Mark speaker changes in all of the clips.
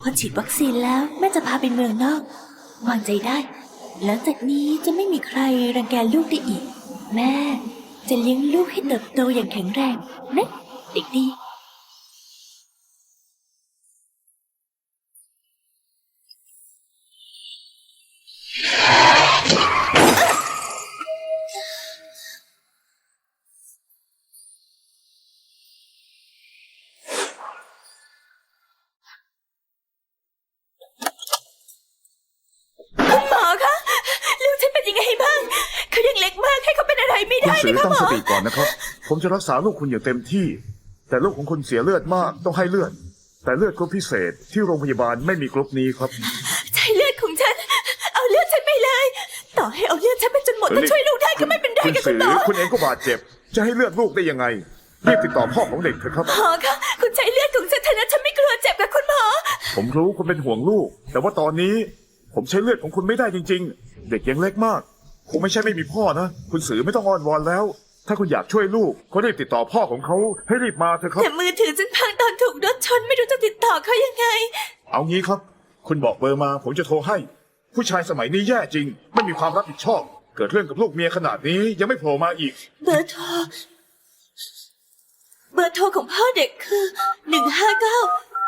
Speaker 1: พอฉีดวัคซีนแล้วแม่จะพาไปเมืองนอกวางใจได้หลังจากนี้จะไม่มีใครรังแกลูกได้อีกแม่จะเลี้ยงลูกให้เติบโตอย่างแข็งแรงนะเด็กดีคุณหมอคะลูกฉันเป็นยังไงบ้างเขายังเล็กมากให้เขาเป็นอะไรไม่
Speaker 2: คุณ
Speaker 1: ได้
Speaker 2: สือ
Speaker 1: นะคะ
Speaker 2: ตั้ง
Speaker 1: หม
Speaker 2: ส
Speaker 1: อ
Speaker 2: ติก่อนนะครับ ผมจะรักษาลูกคุณอย่างเต็มที่ แต่ลูกของคุณเสียเลือดมากต้องให้เลือด แต่เลือดกรุ๊ปพิเศษที่โรงพยาบาลไม่มีกรุ๊ปนี้ครับ
Speaker 1: ใช้เลือดของฉันเอาเลือดฉันไปเลยต่อให้เอาเลือดฉันไปจนหมดถ้าช่วยลูกได้ก็ไม่เป็นไร
Speaker 2: คุณ
Speaker 1: กับคุ
Speaker 2: สื
Speaker 1: ณ
Speaker 2: อ
Speaker 1: หมอ
Speaker 2: คุณเองก็บาดเจ็บ จะให้เลือดลูกได้ยังไงรีบติดต่อพ่อของเด็กเถอะครับ
Speaker 1: หมอคะคุณใช้เลือดของฉันเถอะนะฉันไม่กลัวเจ็บกับคุณหมอ
Speaker 2: ผมรู้คุณเป็นห่วงลูก แต่ว่าตอนนี้ผมใช้เลือดของคุณไม่ได้จริงๆ เด็กยังเล็กมากคงไม่ใช่ไม่มีพ่อนะคุณสือไม่ต้องอ้อนวอนแล้ว ถ้าคุณอยากช่วยลูกก็รีบติดต่อพ่อของเขาให้รีบมาเถอะครับ
Speaker 1: แต่มือถือฉันพังตอนถูกรถชนไม่รู้จะติดต่อเขายังไง
Speaker 2: เอางี้ครับ คุณบอกเบอร์มาผมจะโทรให้ ผู้ชายสมัยนี้แย่จริง ไม่มีความรับผิดชอบ เกิดเรื่องกับลูกเมียขนาดนี้ยังไม่โผล่มาอีก
Speaker 1: เบอร์โทรของพ่อเด็กคือ159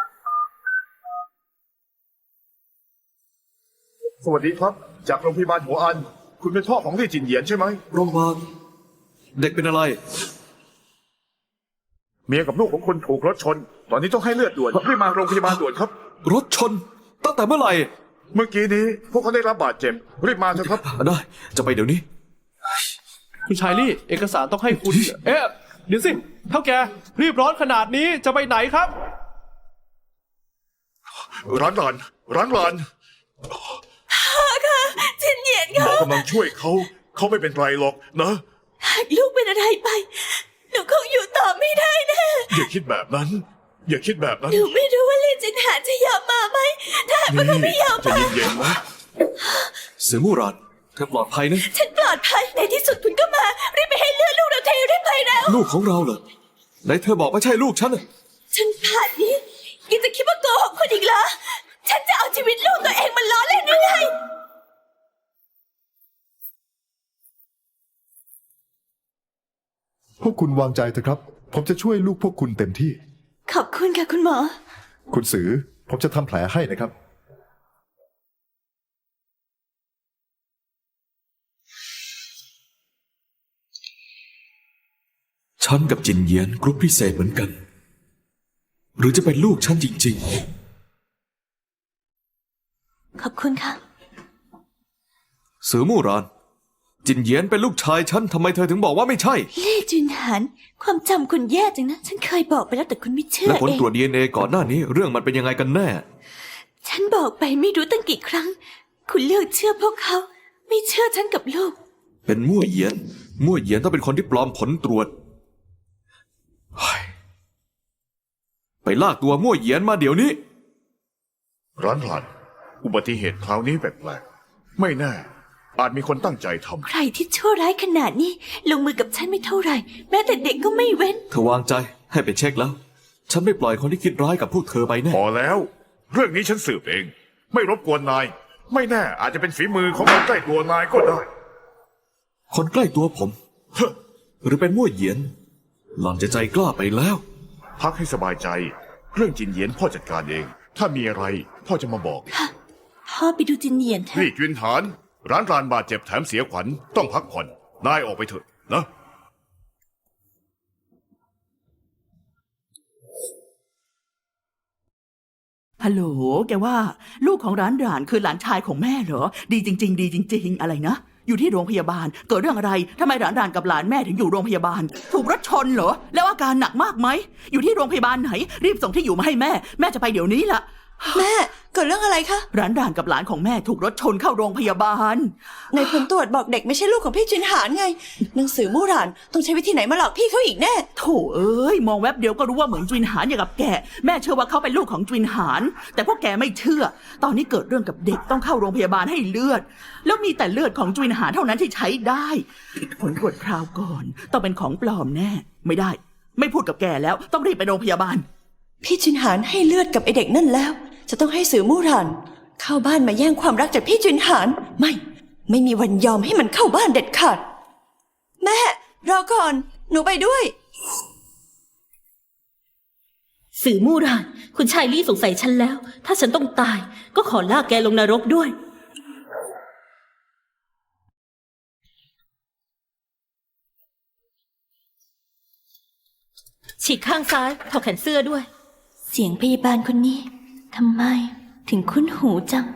Speaker 2: สวัสดีครับ จากโรงพยาบาลหัวอัน คุณเป็นพ่อของลี่จินเหยียนใช่ไหม
Speaker 3: โรงพยาบาลเด็กเป็นอะไร
Speaker 2: เมียกับลูกของคุณถูกรถชน ตอนนี้ต้องให้เลือดด่วนรีบมาโรงพยาบาลด่วนครับ
Speaker 3: รถชนตั้งแต่เมื่อไหร่
Speaker 2: เมื่อกี้นี้พวกเขาได้รับบาดเจ็บรีบมาเถอะครับ
Speaker 3: ได้จะไปเดี๋ยวนี้
Speaker 4: คุณชายลี่เอกสารต้องให้คุณ เอ๊ะเดี๋ยวสิเท่าแกรีบร้อนขนาดนี้จะไปไหนครับ
Speaker 2: ร้านหลานร้านหลาน
Speaker 1: จินเหยียน
Speaker 2: หม
Speaker 1: ค่ะ
Speaker 2: อกำลังช่วยเขาไม่เป็นไรหรอกนะ
Speaker 1: หากลูกเป็นอะไรไปหนูคงอยู่ต่อไม่ได้แน่
Speaker 2: อย่าคิดแบบนั้น อย่าคิดแบบนั้น
Speaker 1: หนูไม่รู้ว่าลีจินหานจะยอมมาไหมถ้าหากว่าเขาไม่ยอม
Speaker 2: ใจะ
Speaker 1: มา
Speaker 2: เย็นๆนะ
Speaker 3: เสือมู่รานเธอปลอดภัยนะ
Speaker 1: ฉันปลอดภัยในที่สุดคุณก็มารีบไปให้เลือดลูกเราเทรีบไปแล้ว
Speaker 3: ลูกของเราเหรอไหนเธอบอกไม่ใช่ลูกฉันน่ะ
Speaker 1: ฉันผ่านนี้ยังจะคิดว่าโกหกคนอีกเหรอฉันจะเอาชีวิตลูกตัวเองมาล้อเล่นหรือไง
Speaker 5: พวกคุณวางใจเถอะครับ ผมจะช่วยลูกพวกคุณเต็มที่
Speaker 1: ขอบคุณค่ะคุณหมอ
Speaker 5: คุณสือ ผมจะทำแผลให้นะครับ
Speaker 3: ฉันกับจินเยียนกรุ๊ปพิเศษเหมือนกัน หรือจะเป็นลูกฉันจริง
Speaker 1: ขอบคุณค่ะ
Speaker 3: ๆ เสือมู่รานจินเยียนเป็นลูกชายฉันทำไมเธอถึงบอกว่าไม่ใช่
Speaker 1: เล่จุนหานความจำคุณแย่จังนะ ฉันเคยบอกไปแล้วแต่คุณไม่เชื่อ
Speaker 3: และผล
Speaker 1: เอง
Speaker 3: ตรวจ DNA ก่อนหน้านี้เรื่องมันเป็นยังไงกันแน่
Speaker 1: ฉันบอกไปไม่รู้ตั้งกี่ครั้ง คุณเลือกเชื่อพวกเขา ไม่เชื่อฉันกับลูก
Speaker 3: เป็นมั่วเหยียนต้องเป็นคนที่ปลอมผลตรวจเฮ้ยไปลากตัวมั่วเหยียนมาเดี๋ยวนี้
Speaker 2: ร้านหลานอุบัติเหตุคราวนี้แปลกๆไม่แน่ อาจมีคนตั้งใจทำ
Speaker 1: ใครที่ชั่วร้ายขนาดนี้ ลงมือกับฉันไม่เท่าไหร่ แม้แต่เด็กก็ไม่เว้น
Speaker 3: เธอวางใจให้ไปเช็คแล้ว ฉันไม่ปล่อยคนที่คิดร้ายกับพวกเธอไปแน่
Speaker 2: พอแล้ว เรื่องนี้ฉันสืบเอง ไม่รบกวนนาย ไม่แน่อาจจะเป็นฝีมือของคนใกล้ตัวนายก็ได้
Speaker 3: คนใกล้ตัวผม
Speaker 2: เฮ้อ
Speaker 3: หรือเป็นมั่วเหยียน หล่อนจะใจกล้าไปแล้ว
Speaker 2: พักให้สบายใจ เรื่องจินเหยียนพ่อจัดการเอง ถ้ามีอะไรพ่อจะมาบอก
Speaker 1: พ่อไปดูจินเนียนเถ
Speaker 2: นี่
Speaker 1: อะ
Speaker 2: จุนฐาน ร้านรานบาดเจ็บแถมเสียขวัญต้องพักผ่อน นายออกไปเถอะนะ
Speaker 6: ฮัลโหลแกว่าลูกของร้านด่านคือหลานชายของแม่เหรอ ดีจริง ๆ ดีจริง ๆ อะไรนะ อยู่ที่โรงพยาบาล เกิดเรื่องอะไรทำไมหลานด่านกับหลานแม่ถึงอยู่โรงพยาบาล ถูกรถชนเหรอ แล้วอาการหนักมากไหม อยู่ที่โรงพยาบาลไหน รีบส่งที่อยู่มาให้แม่ แม่จะไปเดี๋ยวนี้ละ
Speaker 7: แม่เกิดเรื่องอะไรคะ
Speaker 6: ร้านด่านกับหลานของแม่ถูกรถชนเข้าโรงพยาบาล
Speaker 7: ในผลตรวจบอกเด็กไม่ใช่ลูกของพี่จุนหานไง หนังสือมู่หลานต้องใช้วิธีไหนมาหลอกพี่เขาอีกแน่
Speaker 6: โถเอ้ยมองแวบเดียวก็รู้ว่าเหมือนจุนหานอย่างกับแกแม่เชื่อว่าเขาเป็นลูกของจุนหานแต่พวกแกไม่เชื่อ ตอนนี้เกิดเรื่องกับเด็กต้องเข้าโรงพยาบาลให้เลือด แล้วมีแต่เลือดของจุนหานเท่านั้นที่ใช้ได้ผลตรวจคราวก่อนต้องเป็นของปลอมแน่ไม่ได้ ไม่พูดกับแกแล้วต้องรีบไปโรงพยาบาล
Speaker 7: พี่จุนหานให้เลือดกับไอเด็กนั่นแล้วจะต้องให้สือมู่หลานเข้าบ้านมาแย่งความรักจากพี่จุนหานไม่มีวันยอมให้มันเข้าบ้านเด็ดขาดแม่รอก่อนหนูไปด้วย
Speaker 1: สื่อมู่รานคุณชายลี่สงสัยฉันแล้ว ถ้าฉันต้องตายก็ขอลากแกลงนรกด้วย ฉีกข้างซ้ายถอดแขนเสื้อด้วย เสียงพยาบาลคนนี้ทำไมถึงคุ้นหูจัง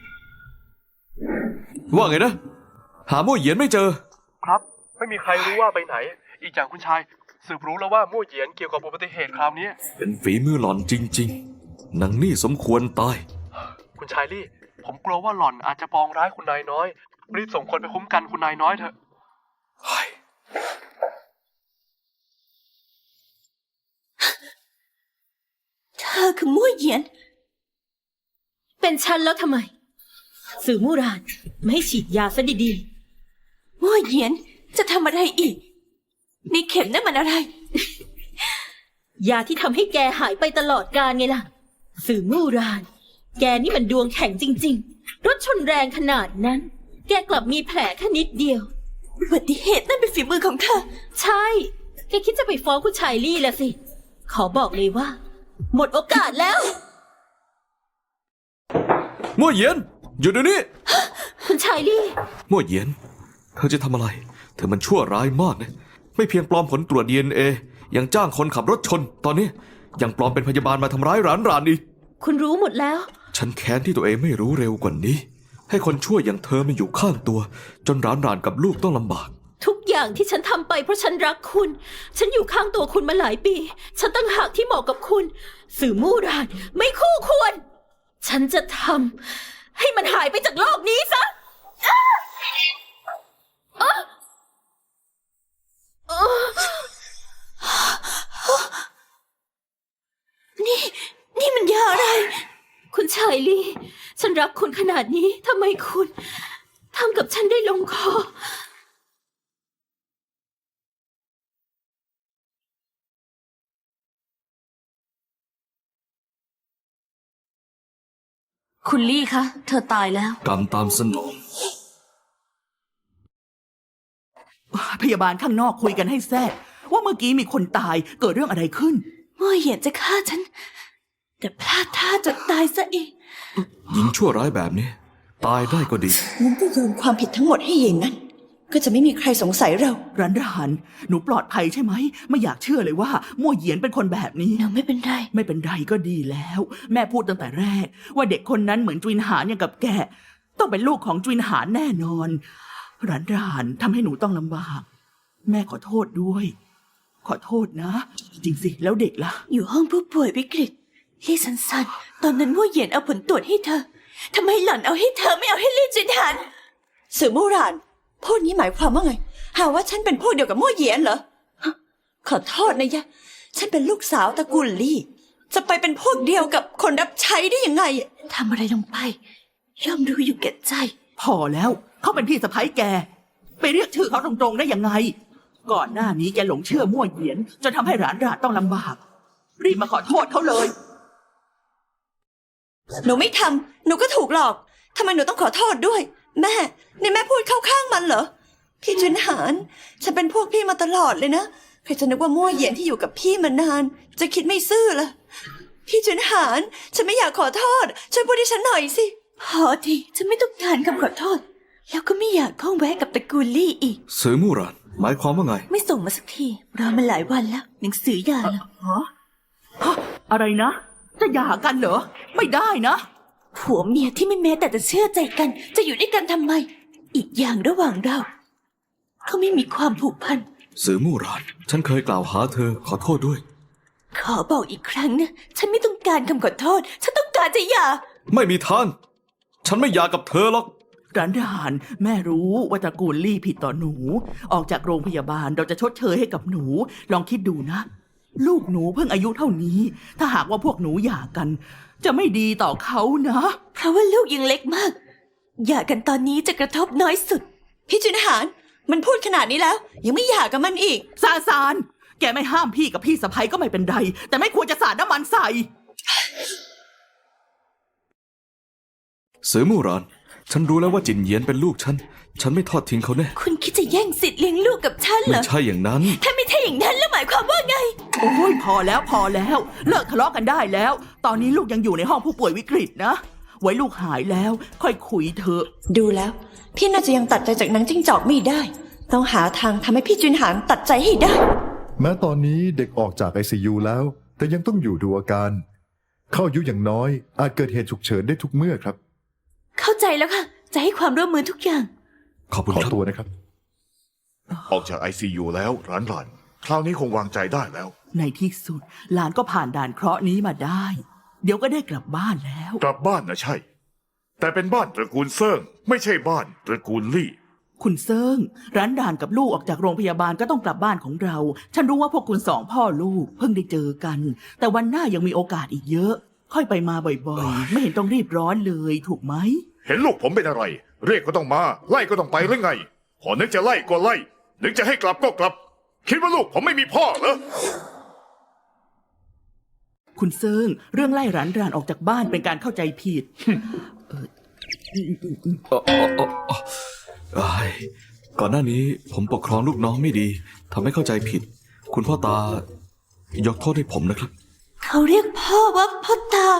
Speaker 3: ว่าไงนะ หามั่วเหยียนไม่เจอ
Speaker 4: ครับ ไม่มีใครรู้ว่าไปไหน อีกอย่างคุณชายสืบรู้แล้วว่ามู่เหยียนเกี่ยวกับอุบัติเหตุคราวนี้
Speaker 3: เป็นฝีมือหล่อนจริงๆนางนี่สมควรตาย
Speaker 4: คุณชายลี่ ผมกลัวว่าหล่อนอาจจะปองร้ายคุณนายน้อย รีบส่งคนไปคุ้มกันคุณนายน้อยเถอะ
Speaker 1: เธอคือมู่เหยียน เป็นฉันแล้วทำไม สื่อมู่รานไม่ให้ฉีดยาซะดีๆมู่เหยียนจะทำอะไรอีกนี่เข็มนั่นมันอะไร ยาที่ทำให้แกหายไปตลอดกาลไงล่ะ สื่อมู่ราน แกนี่มันดวงแข็งจริงๆ รถชนแรงขนาดนั้น แกกลับมีแผลแค่นิดเดียวอุบัติเหตุนั่นเป็นฝีมือของเธอ ใช่ แกคิดจะไปฟ้องคุณชายลี่ละสิ ขอบอกเลยว่า หมดโอกาสแล้ว
Speaker 3: มั่วเหยียนหยุดเดี๋ยวนี้
Speaker 1: คุณชายลี่
Speaker 3: มั่วเหยียน เธอจะทำอะไร เธอมันชั่วร้ายมากนะ ไม่เพียงปลอมผลตรวจ DNA ยังจ้างคนขับรถชน ตอนนี้ยังปลอมเป็นพยาบาลมาทำร้ายหลานอีก
Speaker 1: คุณรู้หมดแล้ว
Speaker 3: ฉันแค้นที่ตัวเองไม่รู้เร็วกว่านี้ ให้คนชั่วอย่างเธอมาอยู่ข้างตัว จนหลานกับลูกต้องลำบาก
Speaker 1: ทุกอย่างที่ฉันทำไปเพราะฉันรักคุณ ฉันอยู่ข้างตัวคุณมาหลายปี ฉันตั้งหากที่เหมาะกับคุณ สื่อมู่รานไม่คู่ควร ฉันจะทำให้มันหายไปจากโลกนี้ซะนี่มันยาอะไร คุณชายลี่ ฉันรักคุณขนาดนี้ทำไมคุณทำกับฉันได้ลงคอ คุณลี่คะ เธอตายแล้ว
Speaker 3: กรรมตามสนอง
Speaker 6: พยาบาลข้างนอกคุยกันให้แซ่ดว่าเมื่อกี้มีคนตายเกิดเรื่องอะไรขึ้น
Speaker 1: มั่วเหยียนจะฆ่าฉัน แต่พลาดท่าจนตายซะเอง
Speaker 3: หญิงชั่วร้ายแบบนี้ ตายได้ก็ดี
Speaker 7: งั้นก็โยนความผิดทั้งหมดให้เยนนั้น ก็จะไม่มีใครสงสัยเรา
Speaker 6: ร้านหนูปลอดภัยใช่ไหม ไม่อยากเชื่อเลยว่ามั่วเหยียนเป็นคนแบบนี้
Speaker 1: หนูไม่เป็นไร
Speaker 6: ไม่เป็นไรก็ดีแล้ว แม่พูดตั้งแต่แรก ว่าเด็กคนนั้นเหมือนจุนหานอย่างกับแก ต้องเป็นลูกของจุนหานแน่นอนร้านทำให้หนูต้องลำบาก แม่ขอโทษด้วย ขอโทษนะ จริงสิแล้วเด็กล่ะ
Speaker 1: อยู่ห้องผู้ป่วยวิกฤตลี่สันสันตอนนั้นมั่วเหยียนเอาผลตรวจให้เธอทำไมหล่อนเอาให้เธอไม่เอาให้ลี่จินหัน
Speaker 7: สื่อมู่หลานพูดนี้หมายความว่าไง หาว่าฉันเป็นพวกเดียวกับมู่เหยียนเหรอฮะขอโทษนะยะ ฉันเป็นลูกสาวตระกูลลี่ จะไปเป็นพวกเดียวกับคนรับใช้ได้ยังไง
Speaker 1: ทำอะไรลงไป ย่อมรู้อยู่แก่ใจ
Speaker 6: พอแล้วเขาเป็นพี่สะใภ้แก ไปเรียกชื่อเขาตรงๆได้ยังไง ก่อนหน้านี้แกหลงเชื่อมั่วเหยียนจนทำให้ร้านต้องลำบาก รีบมาขอโทษเขาเลย
Speaker 7: หนูไม่ทำหนูก็ถูกหลอกทำไมหนูต้องขอโทษด้วย แม่นี่แม่พูดเข้าข้างมันเหรอ พี่จุนหานฉันเป็นพวกพี่มาตลอดเลยนะใครจะนึกว่ามั่วเหยียนที่อยู่กับพี่มานาน จะคิดไม่ซื่อล่ะพี่จุนหานฉันไม่อยากขอโทษช่วยพูดให้ฉันหน่อยสิ
Speaker 1: พอทีฉันไม่ต้องการคำขอโทษ แล้วก็ไม่อยากข้องแวะกับตระกูลลี่อีก
Speaker 3: ซื้อมู่ราน หมายความว่าไง
Speaker 1: ไม่ส่งมาสักทีรอมาหลายวันแล้ว หนังสือหย่าแล้ว
Speaker 6: อะไรนะ จะหย่ากันเหรอ ไม่ได้นะ
Speaker 1: ผัวเมียที่ไม่แม้แต่จะเชื่อใจกัน จะอยู่ด้วยกันทำไม อีกอย่างระหว่างเราเขาไม่มีความผูกพัน
Speaker 3: ซื้อมู่ราน ฉันเคยกล่าวหาเธอขอโทษด้วย
Speaker 1: ขอบอกอีกครั้งนะ ฉันไม่ต้องการคำขอโทษ ฉันต้องการจะหย่า
Speaker 3: ไม่มีทาง ฉันไม่อยากกับเธอหรอก
Speaker 6: ร้านแม่รู้ว่าตระกูลลี่ผิดต่อหนู ออกจากโรงพยาบาลเราจะชดเชยให้กับหนู ลองคิดดูนะ ลูกหนูเพิ่งอายุเท่านี้ ถ้าหากว่าพวกหนูหย่ากัน จะไม่ดีต่อเขานะ
Speaker 1: เพราะว่าลูกยังเล็กมากหย่ากันตอนนี้จะกระทบน้อยสุด
Speaker 7: พี่จุนหานมันพูดขนาดนี้แล้ว ยังไม่หย่ากับมันอีก
Speaker 6: ซานแกไม่ห้ามพี่กับพี่สะใภ้ก็ไม่เป็นไร แต่ไม่ควรจะสาดน้ำมันใส่
Speaker 3: เสือมู่หราน ฉันรู้แล้วว่าจินเหยียนเป็นลูกฉัน ฉันไม่ทอดทิ้งเขาแน่
Speaker 1: คุณคิดจะแย่งสิทธิ์เลี้ยงลูกกับฉันเหร
Speaker 3: ไม่
Speaker 1: อ
Speaker 3: ใช่อย่างนั้น
Speaker 1: ถ้าไม่ใช่อย่างนั้นแล้วหมายความว่าไง
Speaker 6: โอ้ยพอแล้วพอแล้วเลิกทะเลาะกันได้แล้ว ตอนนี้ลูกยังอยู่ในห้องผู้ป่วยวิกฤตนะ ไว้ลูกหายแล้ว ค่อยคุยเถอะ
Speaker 7: ดูแล้ว พี่น่าจะยังตัดใจจากนางจิ้งจอกไม่ได้ ต้องหาทางทำให้พี่จุนหานตัดใจให้ได้
Speaker 5: แม้ตอนนี้เด็กออกจาก ICU แล้ว แต่ยังต้องอยู่ดูอาการ เข้าอายุอย่างน้อย อาจเกิดเหตุฉุกเฉินได้ทุกเมื่อครับ
Speaker 1: เข้าใจแล้วค่ะ จะให้ความร่วมมือทุกอย่าง
Speaker 3: ขอบคุณ
Speaker 5: ขอ
Speaker 3: ครับ
Speaker 5: ตัวนะครับ
Speaker 2: ออกจาก ICU แล้วหลานๆคราวนี้คงวางใจได้แล้ว
Speaker 6: ในที่สุดหลานก็ผ่านด่านเคราะห์นี้มาได้ เดี๋ยวก็ได้กลับบ้านแล้ว
Speaker 2: กลับบ้านนะใช่ แต่เป็นบ้านตระกูลเซิ่งไม่ใช่บ้านตระกูลลี่
Speaker 6: คุณเซิงร้านด่านกับลูกออกจากโรงพยาบาลก็ต้องกลับบ้านของเรา ฉันรู้ว่าพวกคุณสองพ่อลูกเพิ่งได้เจอกัน แต่วันหน้ายังมีโอกาสอีกเยอะ ค่อยไปมาบ่อยๆ ไม่เห็นต้องรีบร้อนเลยถูกไหม
Speaker 2: เห็นลูกผมเป็นอะไร เรียกก็ต้องมา ไล่ก็ต้องไปหรือไง พอนึกจะไล่ก็ไล่ นึกจะให้กลับก็กลับ คิดว่าลูกผมไม่มีพ่อเหรอ
Speaker 6: คุณเซิงเรื่องไล่ร้านด่านออกจากบ้านเป็นการเข้าใจผิด
Speaker 3: อ้ายก่อนหน้านี้ผมปกครองลูกน้องไม่ดีทำให้เข้าใจผิด คุณพ่อตายกโทษให้ผมนะครับ
Speaker 1: เขาเรียกพ่อว่าพ่อตา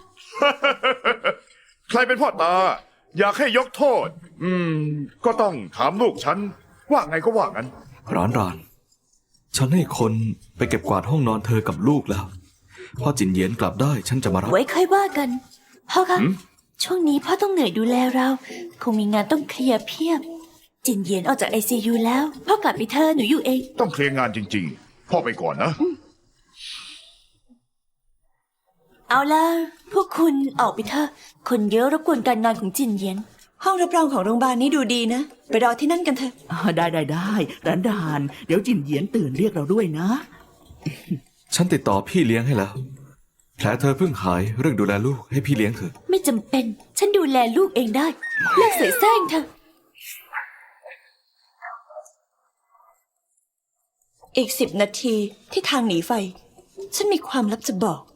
Speaker 2: ใครเป็นพ่อตา อยากให้ยกโทษ ก็ต้องถามลูกฉัน ว่าไงก็ว่างั้น
Speaker 3: ร้านราน ฉันให้คนไปเก็บกวาดห้องนอนเธอกับลูกแล้วพอจินเหยียนกลับได้ฉันจะมารับ
Speaker 1: ไว้ค่อยว่ากัน พ่อคะช่วงนี้พ่อต้องเหนื่อยดูแลเรา คงมีงานต้องเคลียร์เพียบ จินเหยียนออกจาก ICU แล้ว พ่อกลับไปเธอะหนูอยู่เอง
Speaker 2: ต้องเคลียร์งานจริง ๆ พ่อไปก่อนนะ
Speaker 1: เอาล่ะ พวกคุณออกไปเถอะ คนเยอะรบกวนการงานของจินเหยียน
Speaker 7: ห้องรับรองของโรงพยาบาลนี้ดูดีนะ ไปรอที่นั่นกันเถอะ
Speaker 6: ได้ร้านด่าน เดี๋ยวจินเหยียนตื่นเรียกเราด้วยนะ
Speaker 3: ฉันติดต่อพี่เลี้ยงให้แล้ว แผลเธอเพิ่งหายเรื่องดูแลลูกให้พี่เลี้ยงเถอะ
Speaker 1: ไม่จำเป็น ฉันดูแลลูกเองได้ เลิกเสแสร้งเถอะ
Speaker 7: อีก10 นาทีที่ทางหนีไฟ ฉันมีความลับจะบอก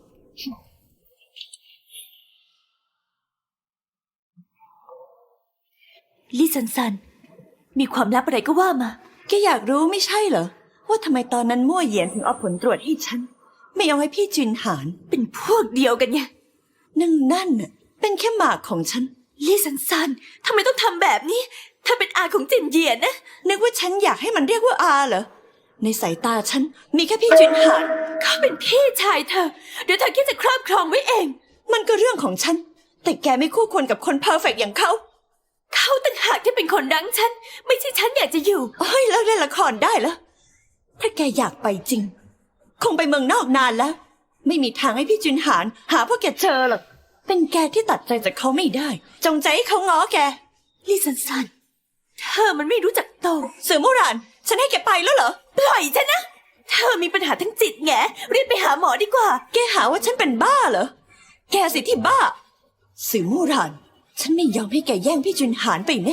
Speaker 1: ลี่ซันซัน มีความลับอะไรก็ว่ามา
Speaker 7: แกอยากรู้ไม่ใช่เหรอ ว่าทำไมตอนนั้นมั่วเหยียนถึงเอาผลตรวจให้ฉัน ไม่เอาให้พี่จุนหาน
Speaker 1: เป็นพวกเดียวกันไง
Speaker 7: นั่นน่ะเป็นแค่หมากของฉัน
Speaker 1: ลี่ซันซันทำไมต้องทำแบบนี้เธอเป็นอาของจินเหยียนนะ
Speaker 7: นึกว่าฉันอยากให้มันเรียกว่าอาเหรอ ในสายตาฉันมีแค่พี่จุนหาน
Speaker 1: เขาเป็นพี่ชายเธอ เดี๋ยวเธอคิดจะครอบครองไว้เอง
Speaker 7: มันก็เรื่องของฉัน แต่แกไม่คู่ควรกับคนเพอร์เฟกต์อย่างเขา
Speaker 1: เขาต่างหากที่เป็นคนรั้งฉัน ไม่ใช่ฉันอยากจะอยู่
Speaker 7: เฮ้ยแล้วเล่นละครได้แล้วถ้าแกอยากไปจริง คงไปเมืองนอกนานแล้ว ไม่มีทางให้พี่จุนหานหาพวกแกเจอหรอก เป็นแกที่ตัดใจจากเขาไม่ได้ จงใจให้เขาง้อแก
Speaker 1: ลี่ซันซัน เธอมันไม่รู้จักโต
Speaker 7: เสือมุราน ฉันให้แกไปแล้วเหรอ
Speaker 1: ปล่อยฉันนะ เธอมีปัญหาทั้งจิตแงรีบไปหาหมอดีกว่า
Speaker 7: แกหาว่าฉันเป็นบ้าเหรอ แกสิที่บ้า เสือมุราน ฉันไม่ยอมให้แกแย่งพี่จุนหานไปแน่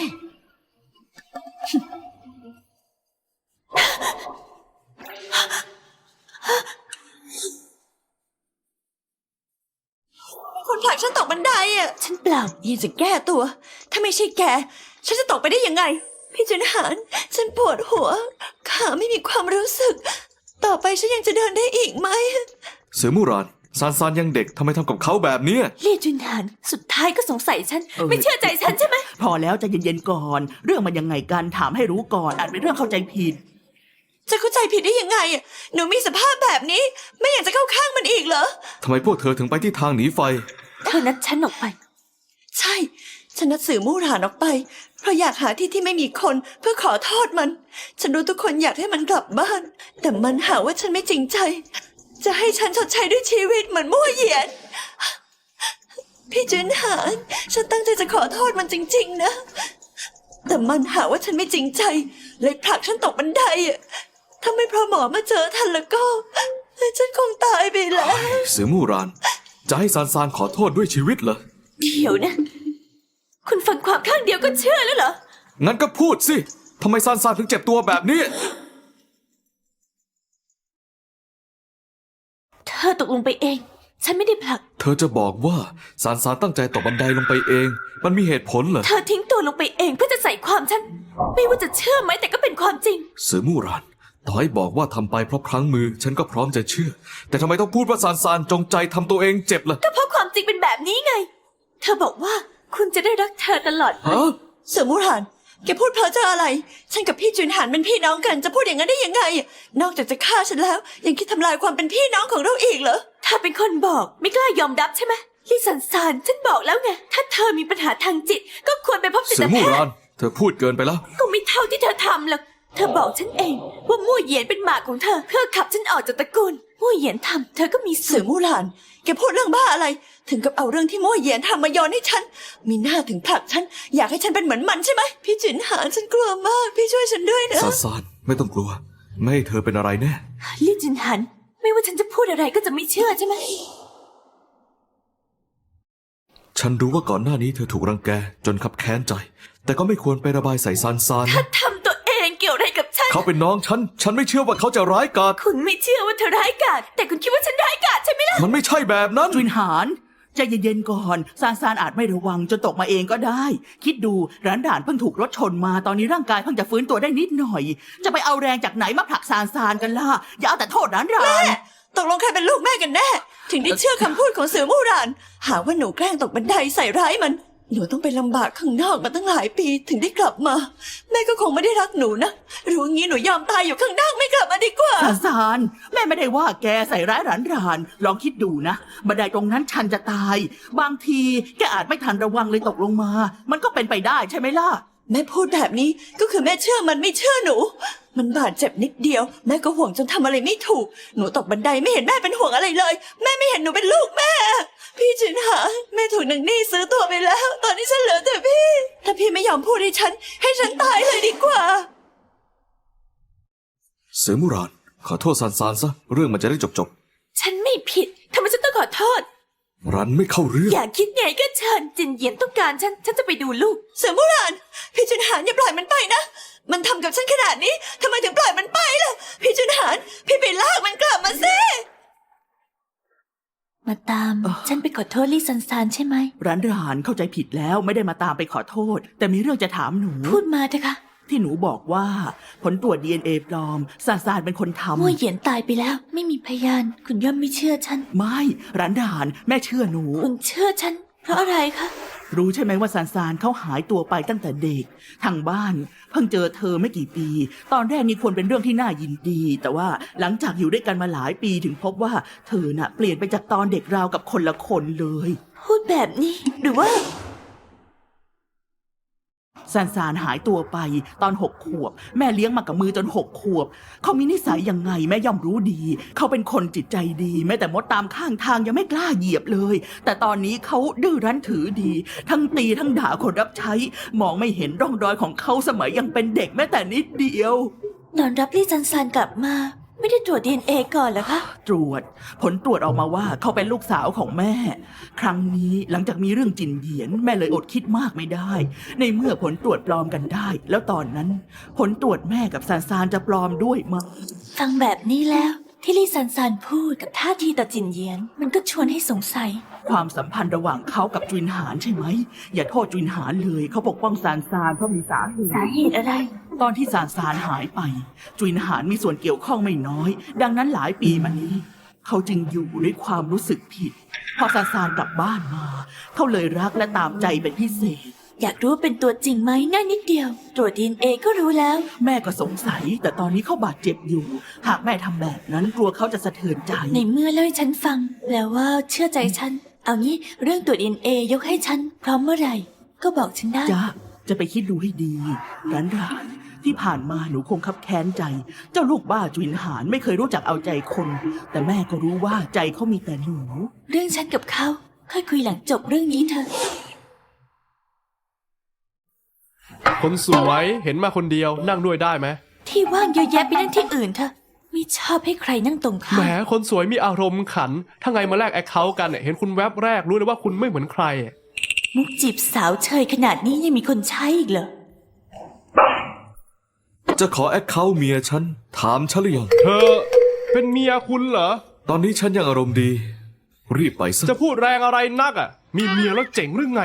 Speaker 7: คนผลักฉันตกบันไดอ่ะ
Speaker 1: ฉันเปล่า
Speaker 7: ยังจะแก้ตัว ถ้าไม่ใช่แก ฉันจะตกไปได้ยังไง พี่จุนหาน ฉันปวดหัว ขาไม่มีความรู้สึก ต่อไปฉันยังจะเดินได้อีกไหม
Speaker 3: เสือมู่หรานซานซานยังเด็กทำไมทำกับเขาแบบเนี้ย
Speaker 1: ลี่จุนหาน สุดท้ายก็สงสัยฉัน ไม่เชื่อใจฉันใช่ไหม
Speaker 6: พอแล้วใจเย็นๆก่อน เรื่องมันยังไงกันถามให้รู้ก่อนอาจเป็นเรื่องเข้าใจผิด
Speaker 7: จะเข้าใจผิดได้ยังไงอะหนูมีสภาพแบบนี้ ไม่อยากจะเข้าข้างมันอีกเหรอ
Speaker 3: ทำไมพวกเธอถึงไปที่ทางหนีไฟ
Speaker 1: เธอนัดฉันออกไป
Speaker 7: ใช่ ฉันนัดสื่อมู่หลานออกไป เพราะอยากหาที่ที่ไม่มีคนเพื่อขอโทษมัน ฉันรู้ทุกคนอยากให้มันกลับบ้าน แต่มันหาว่าฉันไม่จริงใจ จะให้ฉันชดใช้ด้วยชีวิตเหมือนมั่วเหยียน พี่จุนหาน ฉันตั้งใจจะขอโทษมันจริงๆนะ แต่มันหาว่าฉันไม่จริงใจ เลยผลักฉันตกบันไดอะถ้าไม่เพราะหมอมาเจอทันแล้วก็ ฉันคงตายไปแล้ว
Speaker 3: เสือมู่หราน จะให้ซานซานขอโทษด้วยชีวิตเหรอ
Speaker 1: เดี๋ยวนะ คุณฟังความข้างเดียวก็เชื่อแล้วเหรอ
Speaker 3: งั้นก็พูดสิทำไมซานซานถึงเจ็บตัวแบบนี้
Speaker 1: เธอตกลงไปเองฉันไม่ได้ผลัก
Speaker 3: เธอจะบอกว่าซานซานตั้งใจตกบันไดลงไปเอง มันมีเหตุผลเหรอ
Speaker 1: เธอทิ้งตัวลงไปเองเพื่อจะใส่ความฉัน ไม่ว่าจะเชื่อไหมแต่ก็เป็นความจริง
Speaker 3: เสือมู่รานต่อให้บอกว่าทำไปเพราะพลั้งมือ ฉันก็พร้อมจะเชื่อ แต่ทำไมต้องพูดว่าซานซานจงใจทำตัวเองเจ็บล่ะ
Speaker 1: ก็เพราะความจริงเป็นแบบนี้ไง เธอบอกว่าคุณจะได้รักเธอตลอดไป
Speaker 3: ฮะ
Speaker 7: เสือมูหานแกพูดเพ้อเจ้ออะไร ฉันกับพี่จุนหานเป็นพี่น้องกัน จะพูดอย่างนั้นได้ยังไง นอกจากจะฆ่าฉันแล้ว ยังคิดทำลายความเป็นพี่น้องของเราอีกเหรอ
Speaker 1: เธอเป็นคนบอกไม่กล้ายอมรับใช่ไหมลิซันซานฉันบอกแล้วไง ถ้าเธอมีปัญหาทางจิต ก็ควรไปพบจิ
Speaker 3: เสื
Speaker 1: ต
Speaker 3: อ
Speaker 1: แพ
Speaker 3: มู่
Speaker 1: ท
Speaker 3: ราน
Speaker 1: ย์
Speaker 3: เธอพูดเกินไปแล้ว
Speaker 1: ก็ไม่เท่าที่เธอทำหรอก เธอบอกฉันเองว่ามู่เหยียนเป็นหมาของเธอ เพื่อขับฉันออกจากตระกูลมู่เหยียนทำเธอก็มี
Speaker 7: เสื
Speaker 1: ส่ว
Speaker 7: อน มูหลาน แกพูดเรื่องบ้าอะไร ถึงกับเอาเรื่องที่โม่เหยียนทำมาโยนให้ฉัน มีหน้าถึงผลักฉัน อยากให้ฉันเป็นเหมือนมันใช่ไหม พี่จุนหานฉันกลัวมาก พี่ช่วยฉันด้วยนะ
Speaker 3: ซานซานไม่ต้องกลัว ไม่ให้เธอเป็นอะไรแน่
Speaker 1: ลี่จินหัน ไม่ว่าฉันจะพูดอะไรก็จะไม่เชื่อใช่ไหม
Speaker 3: ฉันรู้ว่าก่อนหน้านี้เธอถูกรังแกจนขับแค้นใจ แต่ก็ไม่ควรไประบายใส่ซานซาน
Speaker 1: ถ้า
Speaker 3: นะ
Speaker 1: ทำตัวเองเกี่ยวอะไรกับฉัน
Speaker 3: เขาเป็นน้องฉันไม่เชื่อว่าเขาจะร้ายกาจ
Speaker 1: คุณไม่เชื่อว่าเธอร้ายกาจแต่คุณคิดว่าฉันร้ายกาจใช่ไหมล่ะ
Speaker 3: มันไม่ใช่แบบนั้น
Speaker 6: จุนหานใจเย็นๆก่อนซานซานอาจไม่ระวังจนตกมาเองก็ได้ คิดดูร้านด่านเพิ่งถูกรถชนมาตอนนี้ร่างกายเพิ่งจะฟื้นตัวได้นิดหน่อย จะไปเอาแรงจากไหนมาผลักซานซานกันล่ะอย่าเอาแต่โทษร้านด่าน
Speaker 7: ตกลงใครเป็นลูกแม่กันแน่ ถึงได้เชื่อคำพูดของเสือมู่หลาน หาว่าหนูแกล้งตกบันไดใส่ร้ายมัน หนูต้องไปลำบากข้างนอกมาตั้งหลายปีถึงได้กลับมา แม่ก็คงไม่ได้รักหนูนะ รู้งี้หนูยอมตายอยู่ข้างนอกไม่กลับมาดีกว่า
Speaker 6: ซานซานแม่ไม่ได้ว่าแกใส่ร้ายร้านรานลองคิดดูนะบันไดตรงนั้นชันจะตาย บางทีแกอาจไม่ทันระวังเลยตกลงมา มันก็เป็นไปได้ใช่ไหมล่ะ
Speaker 7: แม่พูดแบบนี้ก็คือแม่เชื่อมันไม่เชื่อหนู มันบาดเจ็บนิดเดียว แม่ก็ห่วงจนทำอะไรไม่ถูก หนูตกบันไดไม่เห็นแม่เป็นห่วงอะไรเลย แม่ไม่เห็นหนูเป็นลูกแม่ พี่จินหาแม่ถูกนางนี่ซื้อตัวไปแล้ว ตอนนี้ฉันเหลือแต่พี่ ถ้าพี่ไม่ยอมพูดให้ฉันตายเลยดีกว่า
Speaker 3: เสือมู่รานขอโทษซานซานซะเรื่องมันจะได้จบ
Speaker 1: ฉันไม่ผิดทำไมฉันต้องขอโทษ
Speaker 3: รันไม่เข้าเรื่อง
Speaker 1: อยากคิดไงก็เชิญจินเหยียนต้องการฉันจะไปดูลูก
Speaker 7: เสือโบราณพี่จุนหานอย่าปล่อยมันไปนะ มันทำกับฉันขนาดนี้ทำไมถึงปล่อยมันไปล่ะ พี่จุนหานพี่ไปลากมันกลับมาสิ
Speaker 1: มาตาม ฉันไปขอโทษลี่ซันซานใช่ไหม
Speaker 6: ร้านรานเข้าใจผิดแล้วไม่ได้มาตามไปขอโทษ แต่มีเรื่องจะถามหนู
Speaker 1: พูดมาเถอะค่ะ
Speaker 6: ที่หนูบอกว่าผลตรวจ DNA ปลอมซานซานเป็นคนทำ
Speaker 1: มั่วเหยียนตายไปแล้ว ไม่มีพยาน คุณย่อมไม่เชื่อฉัน
Speaker 6: ไม่ร้านด่านแม่เชื่อหนู
Speaker 1: คุณเชื่อฉัน เพราะอะไรคะ
Speaker 6: รู้ใช่ไหมว่าซานซานเขาหายตัวไปตั้งแต่เด็ก ทางบ้าน เพิ่งเจอเธอไม่กี่ปี ตอนแรกนี่ควรเป็นเรื่องที่น่ายินดี แต่ว่าหลังจากอยู่ด้วยกันมาหลายปีถึงพบว่าเธอน่ะเปลี่ยนไปจากตอนเด็กราวกับคนละคนเลย
Speaker 1: พูดแบบนี้ หรือว่า
Speaker 6: ซานซานหายตัวไปตอน6 ขวบ แม่เลี้ยงมากับมือจน6 ขวบ เขามีนิสัยยังไงแม่ย่อมรู้ดี เขาเป็นคนจิตใจดี แม้แต่มดตามข้างทางยังไม่กล้าเหยียบเลย แต่ตอนนี้เขาดื้อรั้นถือดี ทั้งตีทั้งด่าคนรับใช้ มองไม่เห็นร่องรอยของเขาสมัยยังเป็นเด็กแม้แต่นิดเดียว
Speaker 1: ตอนรับลี่ซันซานกลับมา ไม่ได้ตรวจ DNA ก่อนเหรอคะ
Speaker 6: ตรวจผลตรวจออกมาว่าเขาเป็นลูกสาวของแม่ ครั้งนี้หลังจากมีเรื่องจินเหยียนแม่เลยอดคิดมากไม่ได้ ในเมื่อผลตรวจปลอมกันได้ แล้วตอนนั้น ผลตรวจแม่กับซานซานจะปลอมด้วยมั้ย
Speaker 1: ฟังแบบนี้แล้ว ที่ลี่ซันซานพูดกับท่าทีต่อจินเหยียน มันก็ชวนให้สงสัย
Speaker 6: ความสัมพันธ์ระหว่างเขากับจุนหานใช่ไหมอย่าโทษจุนหานเลยเขาปกป้องซานซานเพราะมีสาเหตุ
Speaker 1: สาเหตุอะไร
Speaker 6: ตอนที่ซานซานหายไป จุนหานมีส่วนเกี่ยวข้องไม่น้อย ดังนั้นหลายปีมานี้ เขาจึงอยู่ด้วยความรู้สึกผิด พอซานซานกลับบ้านมา เขาเลยรักและตามใจเป็นพิเศษ
Speaker 1: อยากรู้ว่าเป็นตัวจริงไหมง่ายนิดเดียว ตรวจ DNA ก็รู้แล้ว
Speaker 6: แม่ก็สงสัย แต่ตอนนี้เขาบาดเจ็บอยู่ หากแม่ทำแบบนั้นกลัวเขาจะสะเทือนใจ
Speaker 1: ในเมื่อเล่าให้ฉันฟังแล้วว่าเชื่อใจฉัน เอางี้เรื่องตรวจ DNA ยกให้ฉัน พร้อมเมื่อไหร่ ก็บอกฉันได้
Speaker 6: จ้าจะไปคิดดูให้ดีร้านที่ผ่านมาหนูคงคับแค้นใจ เจ้าลูกบ้าจุนหานไม่เคยรู้จักเอาใจคน แต่แม่ก็รู้ว่าใจเขามีแต่หนู
Speaker 1: เรื่องฉันกับเขาค่อยคุยหลังจบเรื่องนี้เถอะ
Speaker 4: คนสวยเห็นมาคนเดียวนั่งด้วยได้ไหม
Speaker 1: ที่ว่างเยอะแยะไปนั่งที่อื่นเถอะไม่ชอบให้ใครนั่งตรงข้า
Speaker 4: แหม
Speaker 1: ม
Speaker 4: คนสวยมีอารมณ์ขัน ถ้าไงมาแลกแอคเคาท์กันเนี่ยเห็นคุณแวบแรกรู้เลยว่าคุณไม่เหมือนใคร
Speaker 1: มุกจีบสาวเชยขนาดนี้ยังมีคนใช้อีกเหรอ
Speaker 3: จะขอแอคเคาท์เมียฉันถามฉันหรือยัง
Speaker 4: เธอเป็นเมียคุณเหรอ
Speaker 3: ตอนนี้ฉันยังอารมณ์ดีรีบไปซะ
Speaker 4: จะพูดแรงอะไรนักอ่ะ มีเมียแล้วเจ๋งหรือไง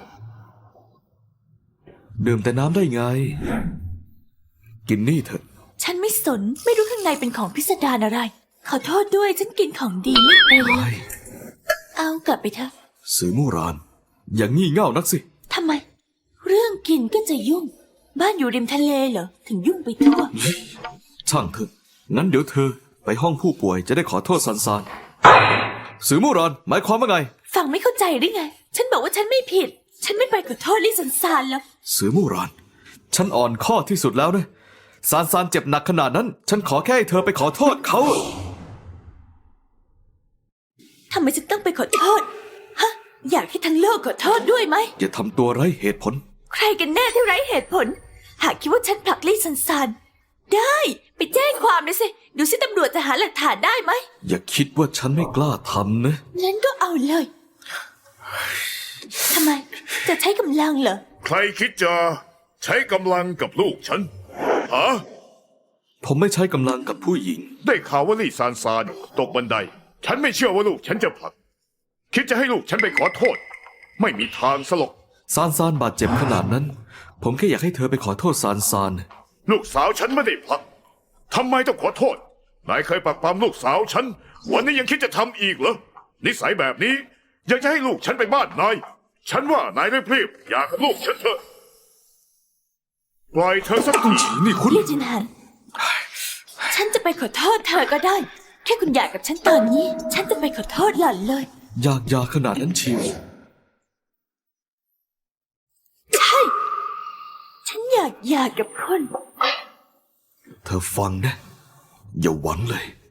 Speaker 3: ดื่มแต่น้ำได้ไง กินนี่เถอะ
Speaker 1: ฉันไม่สน ไม่รู้ข้างในเป็นของพิสดารอะไร ขอโทษด้วยฉันกินของดีไม่เป็น
Speaker 3: ไอ้
Speaker 1: เอากลับไปเถอะ
Speaker 3: สือมู่ราน อย่างงี่เง่านักสิ
Speaker 1: ทำไม เรื่องกินก็จะยุ่ง บ้านอยู่ริมทะเลเหรอ ถึงยุ่งไปทั่ว
Speaker 3: ช่างเถอะ งั้นเดี๋ยวเธอ ไปห้องผู้ป่วยจะได้ขอโทษซันซานสือมู่ราน หมายความว่าไง
Speaker 1: ฟังไม่เข้าใจหรือไง ฉันบอกว่าฉันไม่ผิด ฉันไม่ไปขอโทษลี่สันซานแล้ว
Speaker 3: สือมู่ราน ฉันอ่อนข้อที่สุดแล้วนะซานซานเจ็บหนักขนาดนั้น ฉันขอแค่ให้เธอไปขอโทษเขา
Speaker 1: ทำไมฉันต้องไปขอโทษ ฮะ อยากให้ทั้งโลกขอโทษด้วยไหม
Speaker 3: อย่าทำตัวไร้เหตุผล
Speaker 1: ใครกันแน่ที่ไร้เหตุผล หากคิดว่าฉันผลักลี่สันซานได้ ไปแจ้งความเลยสิ ดูสิตำรวจจะหาหลักฐานได้ไหม
Speaker 3: อย่าคิดว่าฉันไม่กล้าทำนะ
Speaker 1: งั้นก็เอาเลย ทำไม จะใช้กำลังเหรอ
Speaker 2: ใครคิดจะใช้กำลังกับลูกฉันฮะ
Speaker 3: ผมไม่ใช้กำลังกับผู้หญิง
Speaker 2: ได้ข่าวว่าลี่ซานซานตกบันได ฉันไม่เชื่อว่าลูกฉันจะผลัก คิดจะให้ลูกฉันไปขอโทษ ไม่มีทางสลก
Speaker 3: ซานซานบาดเจ็บขนาดนั้น ผมแค่อยากให้เธอไปขอโทษซานซาน
Speaker 2: ลูกสาวฉันไม่ได้ผลักทำไมต้องขอโทษ นายเคยปักปามลูกสาวฉัน วันนี้ยังคิดจะทำอีกเหรอ นิสัยแบบนี้ ยังจะให้ลูกฉันไปบ้านนาย ฉันว่านายรีบๆอย่ากับลูกฉันเถอะ ปล่อยเธอสักที
Speaker 3: นี่คุณ
Speaker 1: ลี่จินหัน ฉันจะไปขอโทษเธอก็ได้ แค่คุณอยากกับฉันตอนนี้ ฉันจะไปขอโทษหล่อนเลย
Speaker 3: อยากยาขนาดนั้นเชียว
Speaker 1: ใช่ ฉันอยากหย่ากับคุณ
Speaker 3: เธอฟังนะ อย่าหวังเลย